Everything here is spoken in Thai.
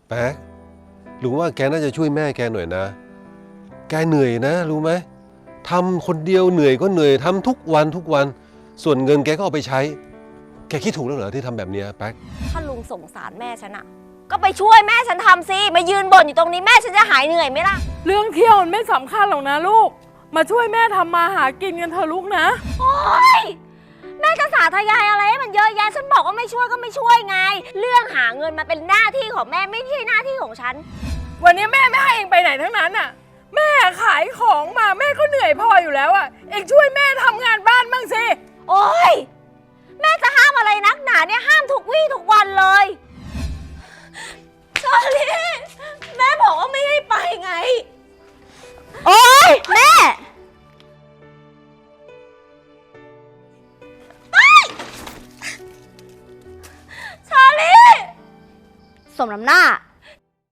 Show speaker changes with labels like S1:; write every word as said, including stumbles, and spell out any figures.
S1: แป๊กลุงว่าแกน่าจะช่วยแม่แกหน่อยนะแกเหนื่อยนะรู้ไหมทำคนเดียวเหนื่อยก็เหนื่อยทำทุกวันทุกวันส่วนเงินแกก็เอาไปใช้แกคิดถูกแล้วเหรอที่ทำแบบนี้แป๊ก
S2: ถ้าลุงสงสารแม่ฉันอะก็ไปช่วยแม่ฉันทำสิมายืนบ่นอยู่ตรงนี้แม่ฉันจะหายเหนื่อยไหมล่ะ
S3: เรื่องเที่ยวมันไม่สำคัญหรอกนะลูกมาช่วยแม่ทำมาหากินกันเถอะลูกนะ
S2: โอ๊ยแม่จะสาธยายอะไรให้มันเยอะแยะฉันบอกว่าไม่ช่วยก็ไม่ช่วยไงเรื่องหาเงินมาเป็นหน้าที่ของแม่ไม่ใช่หน้าที่ของฉัน
S3: วันนี้แม่ไม่ให้เองไปไหนทั้งนั้นน่ะแม่ขายของมาแม่ก็เหนื่อยพออยู่แล้วอ่ะเองช่วยแม่ทำงานบ้านบ้างสิ
S2: โอ๊ยแม่จะห้ามอะไรนักหนาเนี่ยห้ามทุกวี่ทุกวันเลยชอลี่แม่บอกว่าไม่ให้ไปไงโอ๊ยแม่ชาลีสมน้ำหน้า